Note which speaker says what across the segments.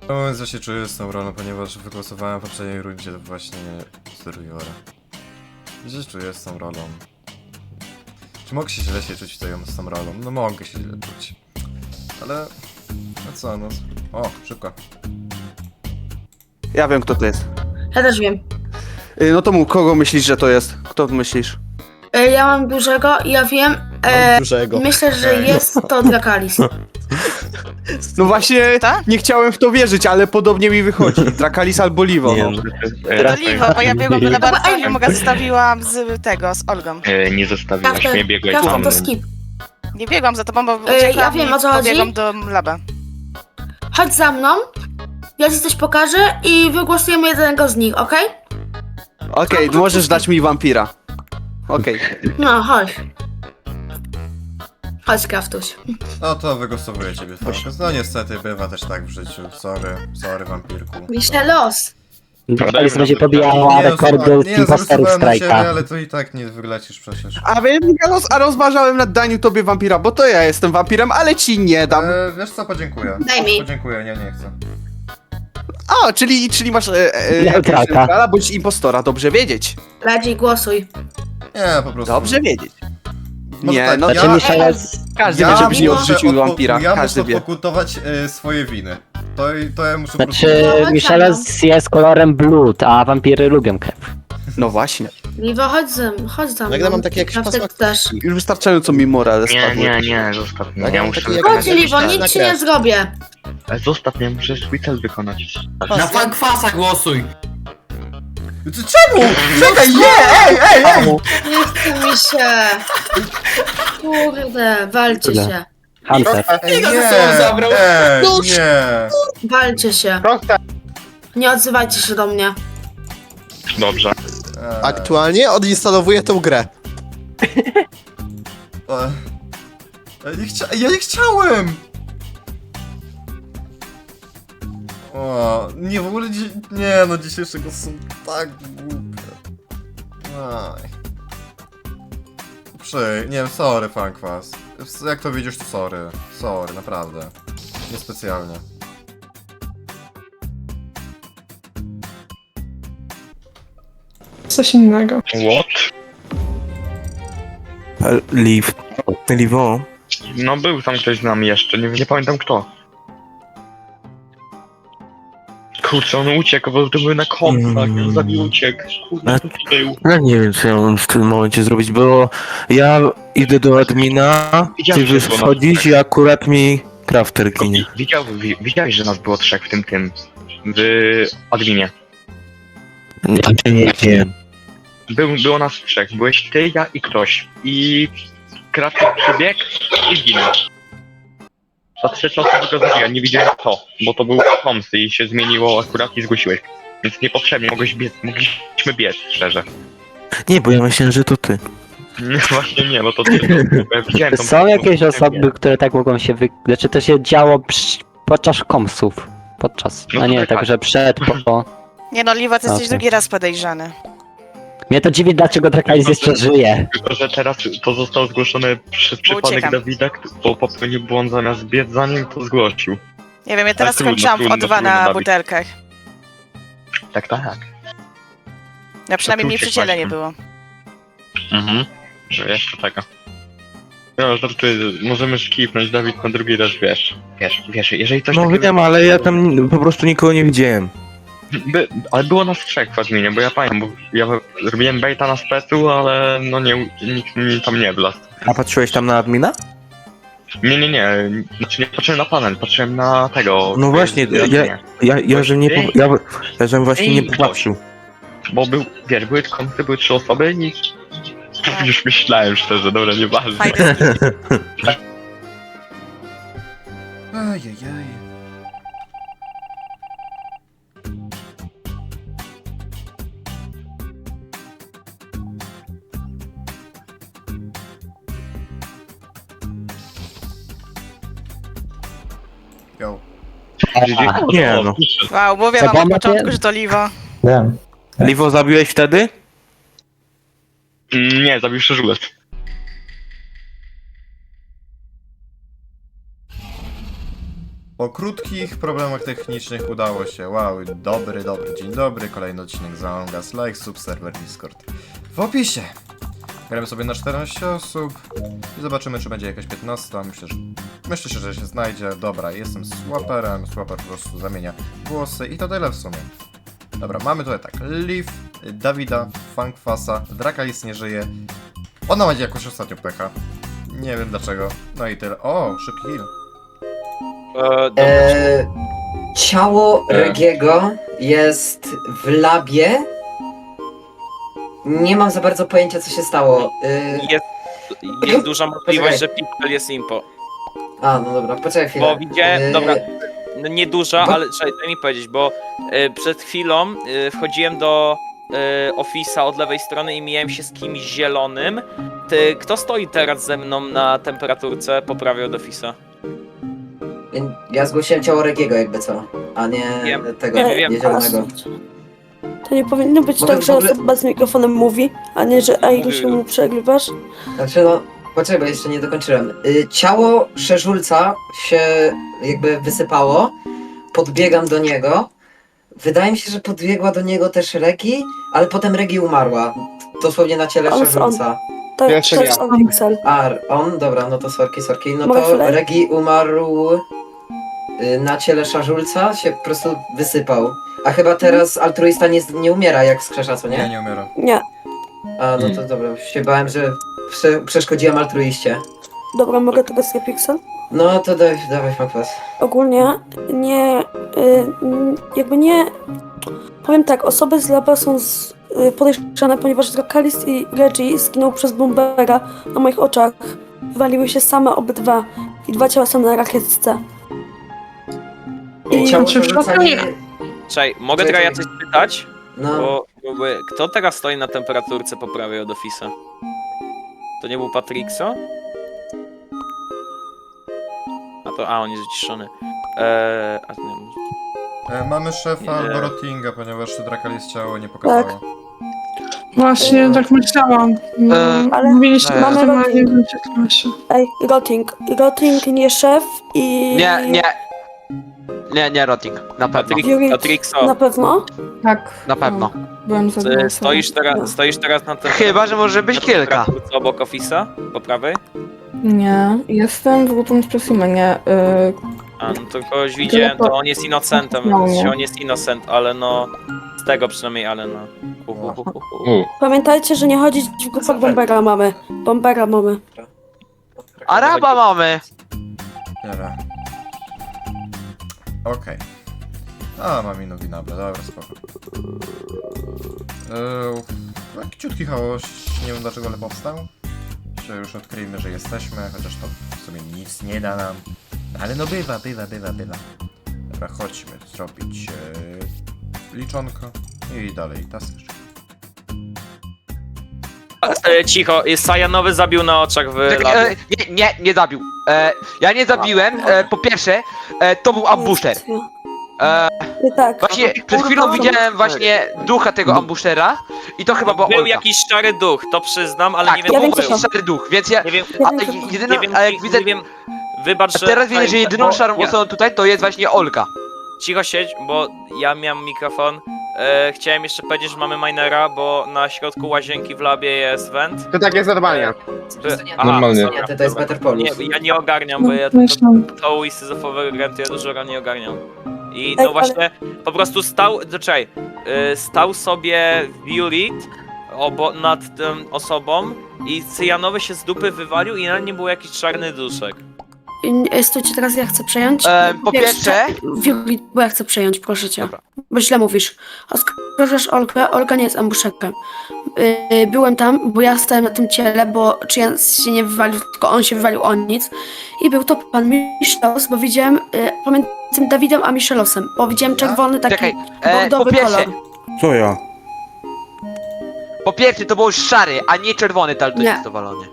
Speaker 1: Mówiąc, że się czuję z tą rolą, ponieważ wygłosowałem w poprzedniej rundzie właśnie Survivora. I się czuję z tą rolą. Czy mogę się źle czuć z tą rolą? No mogę się źle czuć. Ale... No co, no... O, szybko.
Speaker 2: Ja wiem, kto to jest.
Speaker 3: Ja też wiem.
Speaker 2: No to mów, kogo myślisz, że to jest? Kto myślisz?
Speaker 3: Ja mam dużego i ja wiem.
Speaker 4: Dużego.
Speaker 3: Myślę, że
Speaker 1: Okej.
Speaker 3: jest to Drakalis.
Speaker 2: No właśnie,
Speaker 5: Tak?
Speaker 2: nie chciałem w to wierzyć, ale podobnie mi wychodzi. Drakalis albo Livo.
Speaker 6: Nie,
Speaker 2: No.
Speaker 6: no.
Speaker 5: To Liwo, bo ja biegłam do laboratorium,
Speaker 3: Ej.
Speaker 5: mogę zostawiłam z tego, z Olgą.
Speaker 6: Nie zostawiłaś mnie, biegłeś za
Speaker 3: Kafter
Speaker 6: mną.
Speaker 3: to skip.
Speaker 5: Nie biegłam za tobą, bo
Speaker 3: ja
Speaker 5: uciekłam
Speaker 3: wiem,
Speaker 5: i
Speaker 3: o co chodzi.
Speaker 5: pobiegłam do laba.
Speaker 3: Chodź za mną. Ja ci coś pokażę i wygłosujemy jednego z nich, okej?
Speaker 2: Okej, możesz dać mi wampira. Okej.
Speaker 3: No, chodź. Chodź, Kraftuś.
Speaker 1: No to wygłosowuję ciebie, Focus. No niestety, bywa też tak w życiu. Sorry, wampirku.
Speaker 3: Michelos.
Speaker 6: Dajmy
Speaker 7: będzie
Speaker 6: na
Speaker 7: pobijała
Speaker 1: Nie,
Speaker 7: rekordy
Speaker 1: nie,
Speaker 7: imposterów
Speaker 1: zagłosowałem na ciebie,
Speaker 7: strajka.
Speaker 1: ale to i tak nie wylecisz przecież.
Speaker 2: A wiem, a rozważałem nad daniu tobie wampira, bo to ja jestem wampirem, ale ci nie dam.
Speaker 1: Wiesz co, podziękuję.
Speaker 3: Daj mi.
Speaker 1: Podziękuję, nie chcę.
Speaker 2: A, czyli masz
Speaker 7: Neutralka.
Speaker 2: neutrala bądź impostora, dobrze wiedzieć.
Speaker 3: Radzi, głosuj.
Speaker 1: Nie, po prostu.
Speaker 2: Dobrze wiedzieć.
Speaker 1: Może
Speaker 2: Nie,
Speaker 1: tak,
Speaker 2: no
Speaker 1: ja-
Speaker 7: Znaczy Micheles...
Speaker 2: każdy
Speaker 1: Ja
Speaker 2: będzie nie
Speaker 1: muszę
Speaker 2: odrzucił wampira,
Speaker 1: Ja
Speaker 2: każdy
Speaker 1: muszę
Speaker 2: wie.
Speaker 1: pokutować swoje winy. To ja muszę
Speaker 7: Znaczy
Speaker 3: Chodź
Speaker 7: Micheles jest kolorem blood, a wampiry lubią krew.
Speaker 2: No właśnie.
Speaker 3: Liwo, chodź za mną.
Speaker 4: Nagle mam takie jakieś
Speaker 3: Kraftek
Speaker 4: pasma-
Speaker 3: też.
Speaker 2: Już wystarczająco mi morale
Speaker 6: Nie,
Speaker 2: spadły.
Speaker 6: zostaw mnie.
Speaker 4: Tak,
Speaker 6: Ja
Speaker 4: mam
Speaker 6: muszę
Speaker 4: taki
Speaker 6: wykonać.
Speaker 3: Chodź, Liwo,
Speaker 4: na
Speaker 3: nic ci
Speaker 4: krew.
Speaker 3: nie zrobię.
Speaker 6: Zostaw mnie, muszę swój cel wykonać.
Speaker 8: Na Fankwasa głosuj!
Speaker 1: Czemu? Czekaj, ej!
Speaker 3: Nie chce mi się. Kurde, walcie
Speaker 7: Tyle.
Speaker 3: się.
Speaker 7: Hunter.
Speaker 1: Ej,
Speaker 8: Ile
Speaker 1: nie!
Speaker 8: ze sobą zabrał?
Speaker 1: Nie!
Speaker 3: Walcie się. Nie odzywajcie się do mnie.
Speaker 6: Dobrze.
Speaker 4: Aktualnie odinstalowuję tę grę.
Speaker 1: Ja nie chciałem! O, nie, w ogóle nie, no dzisiejsze głosy są tak głupie. Aj. Nie wiem, sorry, Funkwas. Jak to widzisz, to sorry. Sorry, naprawdę. Niespecjalnie.
Speaker 9: Coś innego.
Speaker 6: What?
Speaker 10: Livo.
Speaker 6: No był tam ktoś z nami jeszcze, nie pamiętam kto. Kurczę, on uciekł, bo to były na kompach, on zabił uciekł. Kurde, to był.
Speaker 10: Ja nie wiem, co ja mam w tym momencie zrobić, bo ja idę do admina, ty
Speaker 6: Widziałem, że było
Speaker 10: wchodzisz i akurat mi crafter ginie.
Speaker 6: Widziałeś, że nas było trzech w w adminie.
Speaker 10: Nie wiem.
Speaker 6: Było nas trzech, byłeś ty, ja i ktoś. I Kratek przybiegł i zginął. Za 3 czasy go zabiłem, nie widziałem kto, bo to był Tomsy i się zmieniło akurat i zgłosiłeś. Więc niepotrzebnie mogliśmy biec, szczerze.
Speaker 10: Nie, bo ja myślałem, że to ty.
Speaker 6: Nie, właśnie nie, no to ty. Ja widziałem tą
Speaker 7: Są jakieś
Speaker 6: nie
Speaker 7: osoby,
Speaker 6: wiem.
Speaker 7: które tak mogą się Znaczy to się działo podczas komsów. Podczas.
Speaker 6: No
Speaker 7: A
Speaker 6: to
Speaker 7: nie,
Speaker 6: tak.
Speaker 7: także przed, po...
Speaker 5: Nie no, Liwo, ty jesteś
Speaker 7: Okej.
Speaker 5: drugi raz podejrzany.
Speaker 7: Mnie to dziwi, dlaczego Drakalis jeszcze żyje.
Speaker 6: Tylko, że teraz to zostało zgłoszone przez przypadek
Speaker 5: uciekam.
Speaker 6: Dawida, bo popełnił błąd zamiast biec za nim, to zgłosił.
Speaker 5: Nie wiem, ja teraz
Speaker 6: trudno,
Speaker 5: skończyłam w
Speaker 6: trudno,
Speaker 5: O2 na
Speaker 6: Dawid.
Speaker 5: butelkach.
Speaker 6: Tak.
Speaker 5: Ja przynajmniej
Speaker 6: tu
Speaker 5: mnie przy ciele nie
Speaker 6: uciekłaś.
Speaker 5: było.
Speaker 6: Że jeszcze tego. No, żartuję, możemy skipnąć, Dawid na drugi raz, wiesz, jeżeli coś
Speaker 10: No
Speaker 6: takiego...
Speaker 10: wiem, ale ja tam po prostu nikogo nie widziałem.
Speaker 6: Ale było nas trzech w adminie, bo ja pamiętam, bo ja robiłem baita na specu, ale no nikt mi tam nie wlazł.
Speaker 10: A patrzyłeś tam na admina?
Speaker 6: Nie, znaczy nie patrzyłem na panel, patrzyłem na tego...
Speaker 10: No właśnie, ja że nie ja żem właśnie nie popatrzył.
Speaker 6: Bo były kąty, były 3 osoby i... Już myślałem szczerze, dobra, nieważne.
Speaker 5: Fajny skin.
Speaker 1: Ajajaj. Yo.
Speaker 10: Nie no.
Speaker 5: Wow, mówię wam od początku, że to Liwo.
Speaker 10: Livo zabiłeś wtedy?
Speaker 6: Nie, zabił szczerze.
Speaker 1: Po krótkich problemach technicznych udało się. Wow, dobry, dzień dobry. Kolejny odcinek z Among Us, like, subserwer, Discord. W opisie. Gramy sobie na 14 osób i zobaczymy, czy będzie jakaś 15. Myślę, że się znajdzie. Dobra, jestem swaperem. Swaper po prostu zamienia głosy i to tyle w sumie. Dobra, mamy tutaj tak. Liv, Dawida, Funkfasa, Drakalis nie żyje. Ona ma jakoś ostatnio pecha. Nie wiem dlaczego. No i tyle. O, szybki heal.
Speaker 9: Ciało Regiego jest w labie. Nie mam za bardzo pojęcia, co się stało.
Speaker 11: Jest duża możliwość, że Pixel jest impo.
Speaker 9: A, no dobra, poczekaj chwilę.
Speaker 11: Bo widziałem, dobra, no nie duża, ale trzeba daj mi powiedzieć, bo przed chwilą wchodziłem do Office'a od lewej strony i mijałem się z kimś zielonym. Kto stoi teraz ze mną na temperaturce po prawej od Office'a?
Speaker 9: Ja zgłosiłem ciało Regiego jakby co, a nie
Speaker 11: Wiem.
Speaker 9: tego,
Speaker 11: Wiem.
Speaker 9: nie zielonego.
Speaker 12: To nie powinno być
Speaker 9: Mogę
Speaker 12: tak,
Speaker 9: w
Speaker 12: że
Speaker 9: ogóle-
Speaker 12: osoba z mikrofonem mówi, a nie, że Ailu się mu przegrywasz.
Speaker 9: Znaczy no, poczekaj, bo jeszcze nie dokończyłem. Ciało Szerzulca się jakby wysypało, podbiegam do niego. Wydaje mi się, że podbiegła do niego też Regi, ale potem Regi umarła. Dosłownie na ciele
Speaker 12: On-
Speaker 9: Szerzulca.
Speaker 12: To
Speaker 2: Jeszcze
Speaker 12: to
Speaker 2: ja.
Speaker 12: jest on Pixel.
Speaker 9: A, on? Dobra, no to sorki. No
Speaker 12: Mogę
Speaker 9: to
Speaker 12: chwilę?
Speaker 9: Regi umarł na ciele Szerzulca, się po prostu wysypał. A chyba teraz altruista nie umiera jak wskrzesza, co
Speaker 1: Nie,
Speaker 9: nie?
Speaker 1: nie umiera.
Speaker 12: Nie.
Speaker 9: A, no to dobra, się bałem, że przeszkodziłem altruiście.
Speaker 12: Dobra, mogę teraz ja Pixel?
Speaker 9: No to dawaj Makwas.
Speaker 12: Ogólnie nie, jakby nie, powiem tak, osoby z laba są podejrzane, ponieważ Drakalis i Reggie zginął przez bombera na moich oczach. Wywaliły się same obydwa i 2 ciała są na rakietce. I
Speaker 9: Ciało Szerzulca nie...
Speaker 11: Czekaj, mogę
Speaker 9: Czekaj.
Speaker 11: teraz coś pytać?
Speaker 9: No,
Speaker 11: Bo jakby, kto teraz stoi na temperaturce po prawej od Office'a? To nie był Patrickso? A on jest wyciszony. A nie,
Speaker 1: Mamy szefa
Speaker 11: Nie.
Speaker 1: albo Rottinga, ponieważ Drakalis ciało nie pokazało.
Speaker 12: Tak.
Speaker 13: Właśnie, tak myślałam.
Speaker 12: ale
Speaker 13: Mówiliście,
Speaker 12: mamy
Speaker 13: że to ma
Speaker 12: Rotting.
Speaker 13: nie klasie.
Speaker 12: Ej, Rotting nie szef i...
Speaker 10: Nie, Rotting. Na pewno.
Speaker 12: Fury
Speaker 11: Patrickso,
Speaker 12: na pewno?
Speaker 13: Tak.
Speaker 10: Na pewno.
Speaker 13: Byłem za
Speaker 11: stoisz teraz na temperaturce
Speaker 10: Chyba, że może być kilka.
Speaker 11: obok Office'a? Po prawej?
Speaker 13: Nie, jestem w grupie Expressima, nie.
Speaker 11: A, no to kogoś widziałem, to on jest innocentem,
Speaker 13: No,
Speaker 11: więc
Speaker 13: nie.
Speaker 11: on jest innocent, ale no... Z tego przynajmniej, ale no...
Speaker 12: Pamiętajcie, że nie chodzić w grupach bombera mamy. Bombera mamy.
Speaker 10: Araba mamy!
Speaker 1: Dobra. Okej. A, mam inną winabę, dobra, spoko. Taki ciutki chaos, nie wiem dlaczego, ale powstał. Jeszcze już odkryjmy, że jesteśmy, chociaż to w sumie nic nie da nam. No, ale no bywa. Dobra, chodźmy zrobić liczonko i dalej task.
Speaker 11: Cicho, Sajanowy zabił na oczach w labie.
Speaker 10: Nie zabił. Ja nie zabiłem. Po pierwsze, to był ambusher.
Speaker 12: Nie tak.
Speaker 10: Właśnie przed chwilą widziałem właśnie ducha tego ambushera i to chyba była
Speaker 11: Był
Speaker 10: Olga.
Speaker 11: jakiś szary duch, to przyznam, ale
Speaker 10: Tak,
Speaker 11: nie
Speaker 10: to
Speaker 11: wiem,
Speaker 10: był
Speaker 11: kto był.
Speaker 10: jakiś szary duch, więc ja...
Speaker 11: Nie wiem,
Speaker 10: Ale jedyną,
Speaker 11: nie wiem,
Speaker 10: a jak widzę...
Speaker 11: nie wiem, wybacz, że...
Speaker 10: Teraz widzę, że jedyną
Speaker 11: bo-
Speaker 10: szarą
Speaker 11: nie,
Speaker 10: osobą tutaj to jest właśnie Olga.
Speaker 11: Cicho siedź, bo ja miałem mikrofon. Chciałem jeszcze powiedzieć, że mamy minera, bo na środku łazienki w labie jest vent.
Speaker 2: To tak jest normalnie.
Speaker 6: Normalnie.
Speaker 9: Nie, to jest Better Polus.
Speaker 11: Nie, ja nie ogarniam, bo ja to łysyzofowego grantu ja dużo nie ogarniam. I no
Speaker 12: Ej,
Speaker 11: właśnie, po prostu stał sobie Burit nad tą osobą i cyjanowy się z dupy wywalił i na nim był jakiś czarny duszek.
Speaker 3: Stójcie, teraz ja chcę przejąć.
Speaker 10: Po pierwsze...
Speaker 3: Wiuli, bo ja chcę przejąć, proszę cię.
Speaker 10: Dobra.
Speaker 3: Bo źle mówisz. Oskarżasz Olgę, Olga nie jest ambusherem. Byłem tam, bo ja stałem na tym ciele, bo Czyjan się nie wywalił, tylko on się wywalił o nic. I był to pan Michelos, bo widziałem pomiędzy Dawidem a Michelosem, bo widziałem czerwony taki
Speaker 10: Czekaj,
Speaker 3: bordowy
Speaker 10: po pierwsze,
Speaker 3: kolor.
Speaker 2: Co ja?
Speaker 10: po pierwsze to był szary, a nie czerwony talto
Speaker 3: Nie.
Speaker 10: jest dowalony.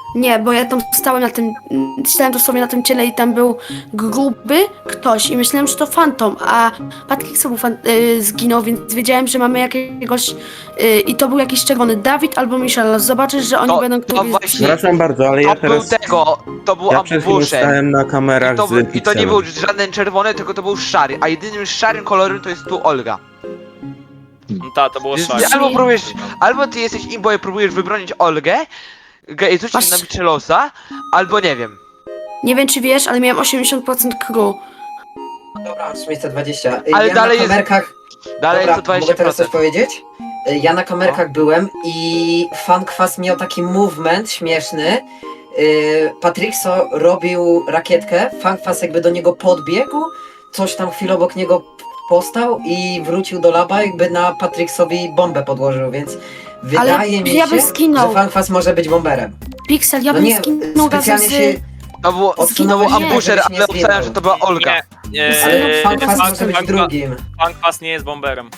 Speaker 3: Nie, bo ja tam stałem dosłownie na tym ciele i tam był gruby ktoś i myślałem, że to fantom, a Patryk sobie zginął, więc wiedziałem, że mamy jakiegoś i to był jakiś czerwony Dawid albo Michelle. Zobaczysz, że oni będą któryś z nich.
Speaker 10: Przepraszam bardzo, ale ja teraz...
Speaker 14: to był
Speaker 10: Ja przed chwilą stałem na kamerach z
Speaker 14: I to nie
Speaker 10: Pixelem.
Speaker 14: był żaden czerwony, tylko to był szary, a jedynym szarym kolorem to jest tu Olga.
Speaker 11: Ta, to było
Speaker 14: Więc
Speaker 11: szare.
Speaker 14: albo ty jesteś imbo i próbujesz wybronić Olgę, i rzucić na Michelosa, albo nie wiem.
Speaker 3: Nie wiem, czy wiesz, ale miałem 80% crew.
Speaker 9: Dobra, mam 320.
Speaker 14: Ale
Speaker 9: ja
Speaker 14: dalej
Speaker 9: na
Speaker 14: jest-
Speaker 9: kamerkach...
Speaker 14: Dalej
Speaker 9: Dobra,
Speaker 14: jest to 20%.
Speaker 9: mogę teraz coś powiedzieć? Ja na kamerkach byłem i Fankwas miał taki movement śmieszny. Patrickso robił rakietkę, Fankwas jakby do niego podbiegł, coś tam chwilę obok niego postał i wrócił do laba, jakby na Patricksowi bombę podłożył, więc wydaje mi
Speaker 3: ja bym
Speaker 9: się,
Speaker 3: zginął.
Speaker 9: że Fankwas może być bomberem.
Speaker 3: Pixel, ja
Speaker 9: No
Speaker 3: bym
Speaker 9: nie,
Speaker 3: zginął razem
Speaker 9: specjalnie
Speaker 3: z...
Speaker 9: się
Speaker 14: To był
Speaker 9: odsunąłeś się,
Speaker 14: ambusher,
Speaker 9: żebyś nie
Speaker 14: ale obstałem,
Speaker 9: zginął.
Speaker 14: że to była Olga.
Speaker 9: Ale Fankwas może być drugim.
Speaker 11: Funkwas nie jest bomberem.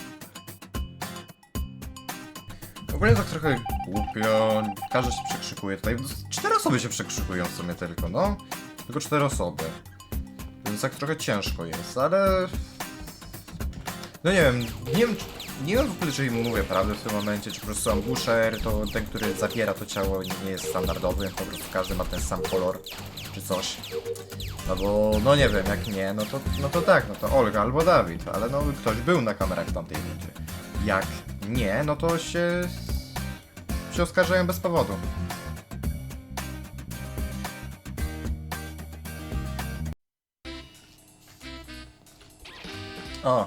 Speaker 1: Ogólnie tak trochę głupio, każdy się przekrzykuje tutaj. 4 osoby się przekrzykują w sumie tylko, no. Tylko 4 osoby. Więc tak trochę ciężko jest, ale... No nie wiem w ogóle, czy im mówię prawdę w tym momencie, czy po prostu ambusher to ten, który zabiera to ciało, nie jest standardowy, po prostu każdy ma ten sam kolor, czy coś. No bo, no nie wiem, jak nie, no to tak, no to Olga albo Dawid, ale no ktoś był na kamerach w tamtej rundzie. Jak nie, no to się oskarżają bez powodu. O.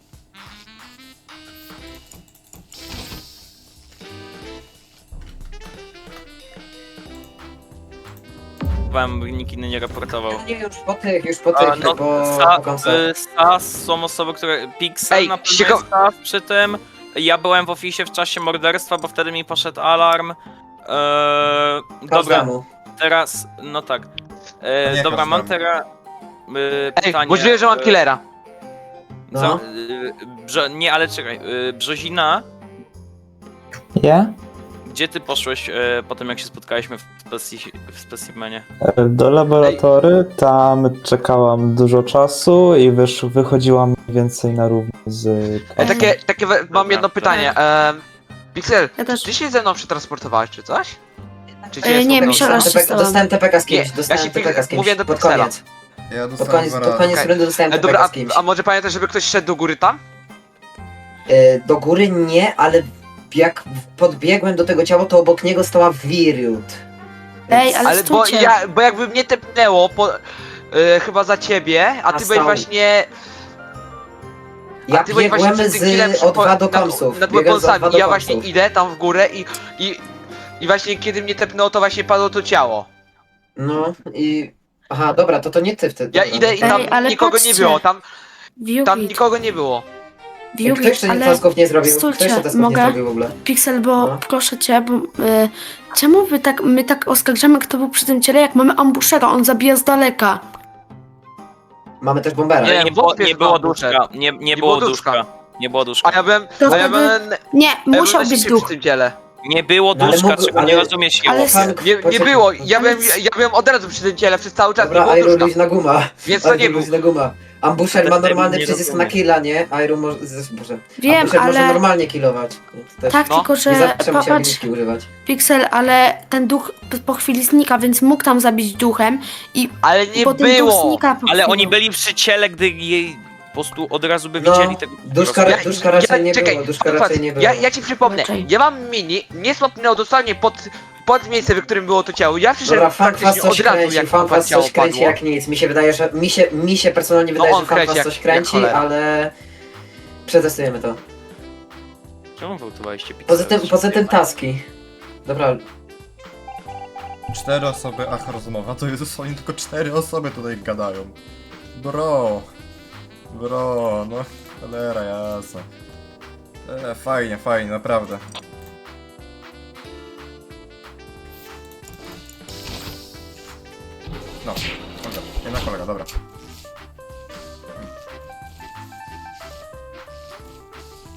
Speaker 11: Wam nikt inny nie raportował.
Speaker 9: Nie, już po tych,
Speaker 11: No,
Speaker 9: po końcach.
Speaker 11: SAS są osoby, które... Pixel
Speaker 14: Ej,
Speaker 11: na pewno jest SAS przy tym. Ja byłem w oficie w czasie morderstwa, bo wtedy mi poszedł alarm. Dobra,
Speaker 9: Każdemu.
Speaker 11: teraz... No tak.
Speaker 1: Nie
Speaker 11: Dobra, mam
Speaker 1: każdemu.
Speaker 11: teraz...
Speaker 14: Ej,
Speaker 11: pytanie.
Speaker 14: możliwe, że mam killera.
Speaker 9: No.
Speaker 11: Nie, ale czekaj. Brzozina,
Speaker 7: Ja?
Speaker 11: gdzie ty poszłeś po tym, jak się spotkaliśmy w specimenie?
Speaker 7: Do laboratory, tam czekałam dużo czasu i wychodziłam mniej więcej na równo z...
Speaker 14: Mam jedno pytanie. Pixel,
Speaker 3: Ja też.
Speaker 14: ty się ze mną przetransportowałeś czy coś? Czy
Speaker 3: nie,
Speaker 14: spotkałeś?
Speaker 3: Michela się stała.
Speaker 9: Dostałem TPK z kimś,
Speaker 14: Nie,
Speaker 9: dostałem
Speaker 14: ja się
Speaker 9: TPK z kimś.
Speaker 14: mówię do
Speaker 9: pod
Speaker 14: Pixela.
Speaker 9: koniec.
Speaker 1: Ja
Speaker 9: Pod
Speaker 1: dostałem
Speaker 9: koniec,
Speaker 1: dwa
Speaker 9: pod
Speaker 1: razy.
Speaker 9: koniec rundy dostałem TPK
Speaker 14: Dobra,
Speaker 9: z kimś.
Speaker 14: a może pamiętasz, żeby ktoś szedł do góry tam?
Speaker 9: Do góry nie, ale jak podbiegłem do tego ciała, to obok niego stała Wiriut.
Speaker 3: Ej, ale
Speaker 14: Ale bo,
Speaker 3: stójcie.
Speaker 14: bo jakby mnie tepnęło chyba za ciebie, a ty byłeś
Speaker 9: stał.
Speaker 14: właśnie...
Speaker 9: Ja
Speaker 14: ty byłeś właśnie
Speaker 9: biegłem
Speaker 14: przed tym chwilem
Speaker 9: z O2 do komsów.
Speaker 14: nad
Speaker 9: Biegłem z
Speaker 14: weaponsami
Speaker 9: O2
Speaker 14: i
Speaker 9: do
Speaker 14: ja właśnie
Speaker 9: komsów.
Speaker 14: idę tam w górę i właśnie kiedy mnie tepnęło, to właśnie padło to ciało.
Speaker 9: No i... Aha, dobra, to nie ty wtedy.
Speaker 14: Ja
Speaker 9: dobra.
Speaker 14: idę i tam
Speaker 3: ale
Speaker 14: nikogo
Speaker 3: patrzcie.
Speaker 14: nie było, tam
Speaker 3: Viewbit,
Speaker 14: nikogo nie było.
Speaker 9: Kto jeszcze
Speaker 3: ale...
Speaker 9: tasków nie zrobił? Kto
Speaker 3: Stójcie,
Speaker 9: jeszcze tasków nie
Speaker 3: mogę?
Speaker 9: zrobił w ogóle?
Speaker 3: Pixel, bo
Speaker 9: No.
Speaker 3: proszę cię, bo czemu my tak oskarżamy, kto był przy tym ciele, jak mamy ambushera, on zabija z daleka.
Speaker 9: Mamy też bombera.
Speaker 14: Nie,
Speaker 11: Nie było
Speaker 14: wątpię,
Speaker 11: duszka.
Speaker 14: że
Speaker 11: Nie było duszka. Nie było duszka.
Speaker 14: A ja byłem...
Speaker 3: To
Speaker 14: A ja
Speaker 3: wtedy-
Speaker 14: byłem...
Speaker 3: Nie,
Speaker 14: a ja byłem
Speaker 3: musiał
Speaker 14: na
Speaker 3: być
Speaker 14: szybcie
Speaker 3: duch.
Speaker 14: przy tym ciele.
Speaker 11: Nie było
Speaker 9: No, ale
Speaker 11: duszka,
Speaker 9: mógł-
Speaker 11: czego nie
Speaker 9: ale-
Speaker 11: rozumiesz,
Speaker 3: ale-
Speaker 11: Jełos.
Speaker 14: Nie było, ja byłem od razu przy tym ciele przez cały czas, nie
Speaker 9: Dobra,
Speaker 14: było
Speaker 9: Iron
Speaker 14: duszka.
Speaker 9: luźna guma.
Speaker 14: Więc to nie
Speaker 9: Iron
Speaker 14: był.
Speaker 9: luźna guma. Ambusher ma
Speaker 11: Wtedy
Speaker 9: normalny
Speaker 11: nie
Speaker 9: przycisk na
Speaker 11: rozumiem.
Speaker 9: killa, nie? Iron może... Boże.
Speaker 3: Wiem,
Speaker 9: Ambusher może
Speaker 3: ale...
Speaker 9: normalnie killować. Więc też
Speaker 3: Tak,
Speaker 14: No,
Speaker 3: tylko
Speaker 9: nie
Speaker 3: że
Speaker 9: zawsze musi
Speaker 3: popatrz,
Speaker 9: abilitki używać.
Speaker 3: Pixel, ale ten duch po chwili znika, więc mógł tam zabić duchem i
Speaker 14: Ale nie
Speaker 3: potem duch
Speaker 14: było!
Speaker 3: znika po
Speaker 11: Ale
Speaker 3: chwili.
Speaker 11: oni byli przy ciele, gdy jej po prostu od razu by
Speaker 9: No,
Speaker 11: widzieli tego.
Speaker 9: duszka raczej nie
Speaker 14: czekaj,
Speaker 9: było, duszka
Speaker 14: patrz,
Speaker 9: raczej nie było.
Speaker 14: Ja ci przypomnę,
Speaker 3: Raczej.
Speaker 14: ja mam mini, nie swapnęło dosłownie pod miejsce, w którym było to ciało. Ja
Speaker 9: Dobra,
Speaker 14: przyszedłem
Speaker 9: Fankwas
Speaker 14: praktycznie
Speaker 9: coś
Speaker 14: od razu,
Speaker 9: kręci,
Speaker 14: jak
Speaker 9: Fankwas
Speaker 14: ciało
Speaker 9: coś kręci
Speaker 14: padło.
Speaker 9: jak nic. Mi się wydaje, że... Mi się personalnie
Speaker 14: No
Speaker 9: wydaje,
Speaker 14: on
Speaker 9: że Fankwas
Speaker 14: kręci
Speaker 9: coś
Speaker 14: jak
Speaker 9: kręci,
Speaker 14: cholera.
Speaker 9: ale... Przetestujemy to.
Speaker 11: Czemu wyłtowaliście Pixel?
Speaker 9: Poza tym taski. Dobra,
Speaker 1: 4 osoby, ach rozmowa, to Jezus, oni tylko 4 osoby tutaj gadają. Bro, no cholera jasna. Fajnie, naprawdę. No, dobra, jedna kolega, dobra.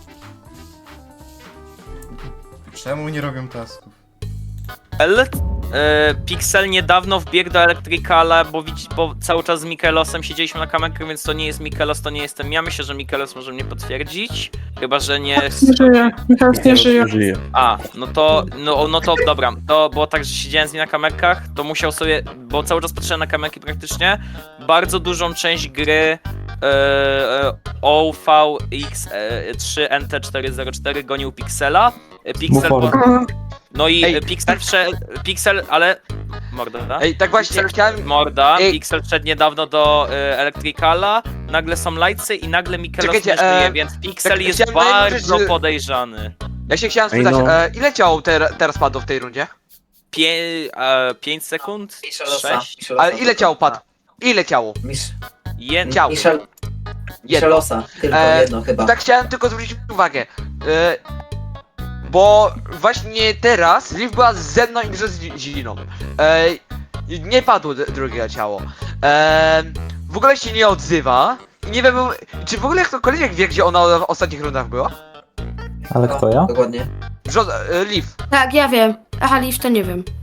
Speaker 1: Czemu nie robią tasków?
Speaker 11: L? Pixel niedawno wbiegł do Electricala, bo cały czas z Mikelosem siedzieliśmy na kamerkach, więc to nie jest Mikelos, to nie jestem ja. Myślę, że Mikelos może mnie potwierdzić. Chyba, że nie...
Speaker 13: Nie żyje. Michał nie żyje.
Speaker 11: A, no to dobra. To było tak, że siedziałem z nim na kamerkach, to musiał sobie, bo cały czas patrzyłem na kamerki praktycznie, bardzo dużą część gry OVX3NT404 gonił Pixela. Pixel, no i Pixel, ale... Morda, da?
Speaker 14: Ej, tak właśnie, chciałem...
Speaker 11: Morda, Pixel wszedł niedawno do Electricala, nagle są lajcy i nagle Mikelos nie żyje, więc Pixel
Speaker 14: tak
Speaker 11: jest
Speaker 14: chciałem
Speaker 11: bardzo
Speaker 14: że-
Speaker 11: podejrzany.
Speaker 14: Ja się chciałem spytać, ile ciało teraz padło w tej rundzie?
Speaker 11: 5 sekund?
Speaker 9: Michelosa.
Speaker 11: 6?
Speaker 14: Ale ile ciało padło? Ile ciało? Ciało.
Speaker 9: Michelosa, tylko jedno chyba.
Speaker 14: Tak chciałem tylko zwrócić uwagę. Bo właśnie teraz Liv była ze mną i z Ziną. Nie padło drugie ciało. W ogóle się nie odzywa. Nie wiem, czy w ogóle ktokolwiek wie, gdzie ona w ostatnich rundach była?
Speaker 7: Ale kto ja?
Speaker 9: Dokładnie.
Speaker 14: Liv.
Speaker 3: Tak, ja wiem. Aha, Liv to nie wiem.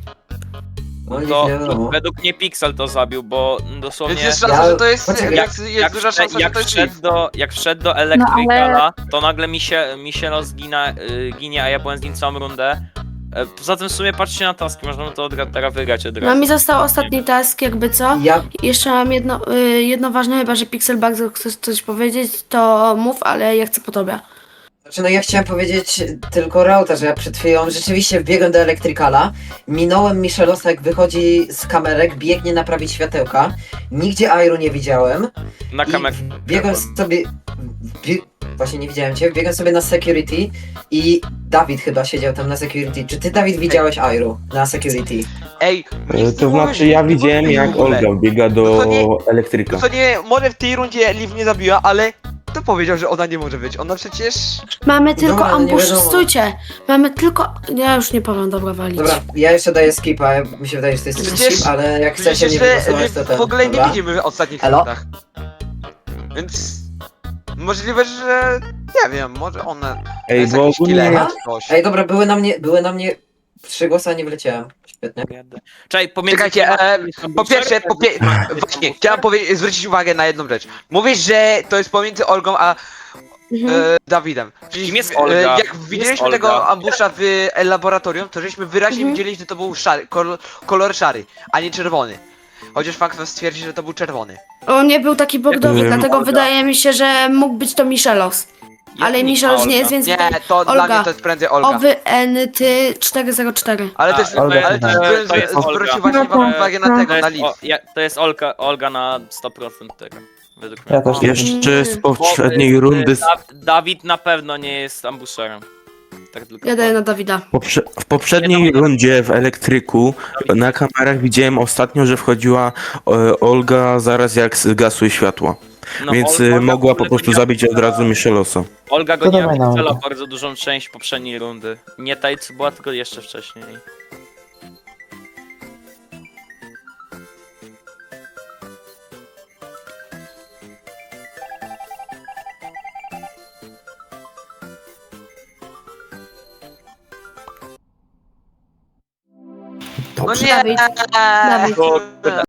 Speaker 11: To według mnie Pixel to zabił, bo dosłownie...
Speaker 14: Więc jest szansa, że to jest...
Speaker 11: Jak
Speaker 14: duża szansa, że to jest Liv.
Speaker 11: jak wszedł do Electricala, to nagle Michelos ginie, a ja byłem z nim całą rundę. Poza tym w sumie patrzcie na taski, możemy to teraz wygrać od razu.
Speaker 3: No mi został ostatni task, jakby co.
Speaker 9: Ja
Speaker 3: Jeszcze mam jedno ważne, chyba że Pixel bardzo chcesz coś powiedzieć, to mów, ale ja chcę po tobie.
Speaker 9: Znaczy, no ja chciałem powiedzieć tylko Rauta, że ja przed chwilą rzeczywiście wbiegłem do Electricala, minąłem Michelosa, jak wychodzi z kamerek, biegnie naprawić światełka, nigdzie Airu nie widziałem.
Speaker 11: Na kamerę.
Speaker 9: Biegłem sobie... Właśnie nie widziałem cię, biegłem sobie na security i Dawid chyba siedział tam na security. Czy ty, Dawid, widziałeś Airu na security?
Speaker 14: Ej,
Speaker 10: To znaczy ja widziałem jak Olga biega do elektryka.
Speaker 14: To nie, może w tej rundzie Liv nie zabiła, ale kto powiedział, że ona nie może być? Ona przecież...
Speaker 3: Mamy tylko
Speaker 9: Dobra, no nie
Speaker 3: ambush,
Speaker 9: wiadomo.
Speaker 3: stójcie. Mamy tylko... Ja już nie powiem, dobra, walić.
Speaker 9: Dobra, ja jeszcze daję skipa, mi się wydaje, że to jest
Speaker 14: Przecież-
Speaker 9: skip, ale jak chcecie
Speaker 14: Przecież
Speaker 9: nie wygłosować, to ten.
Speaker 14: w ogóle nie
Speaker 9: dobra?
Speaker 14: widzimy w ostatnich
Speaker 9: Elo?
Speaker 14: rundach. Więc... Możliwe, że... Nie wiem, może ona...
Speaker 10: Ej,
Speaker 14: jest
Speaker 10: bo
Speaker 14: jakiś
Speaker 10: ogólnie-
Speaker 14: killer czy coś.
Speaker 9: Ej, dobra, były na mnie 3 głosy, a nie wleciałem. Świetnie.
Speaker 11: Czekaj, pomiędzy...
Speaker 14: Czekajcie, po pierwsze, właśnie, chciałem zwrócić uwagę na jedną rzecz. Mówisz, że to jest pomiędzy Olgą a Dawidem. Czyli
Speaker 11: Kim jest Olga?
Speaker 14: jak widzieliśmy
Speaker 11: Olga?
Speaker 14: tego ambusza w laboratorium, to żeśmy wyraźnie widzieli, że to był szary, kolor szary, a nie czerwony. Chociaż fakt stwierdzi, że to był czerwony.
Speaker 3: On nie był taki bogdowy, dlatego
Speaker 11: Olga.
Speaker 3: wydaje mi się, że mógł być to Michelos. Ale Michelos nie jest, więc
Speaker 14: Nie,
Speaker 3: wydaje...
Speaker 14: to dla
Speaker 3: Olga.
Speaker 14: mnie to jest prędzej Olga.
Speaker 3: OWNT404.
Speaker 14: Ale też,
Speaker 11: to jest-
Speaker 14: ale też
Speaker 11: to jest Olga.
Speaker 14: zwrócił właśnie wam uwagę na tego, na Liv.
Speaker 11: To jest Olga na 100% tego, według mnie.
Speaker 7: Ja też
Speaker 10: Jeszcze z poprzedniej rundy,
Speaker 11: Dawid na pewno nie jest ambusherem. Tak tylko.
Speaker 3: Ja daję na Dawida.
Speaker 10: w poprzedniej rundzie w elektryku na kamerach widziałem ostatnio, że wchodziła Olga zaraz jak zgasły światła.
Speaker 11: No,
Speaker 10: Więc
Speaker 11: Olga
Speaker 10: mogła
Speaker 11: w
Speaker 10: po
Speaker 11: ogóle
Speaker 10: prostu
Speaker 11: goniła-
Speaker 10: zabić od razu Michelosa.
Speaker 11: Olga
Speaker 7: To
Speaker 11: goniła
Speaker 7: dawaj na
Speaker 11: Pixela
Speaker 7: Olgę.
Speaker 11: bardzo dużą część poprzedniej rundy. Nie tej, co była, tylko jeszcze wcześniej.
Speaker 14: No nie!
Speaker 3: Dawid. Dawid.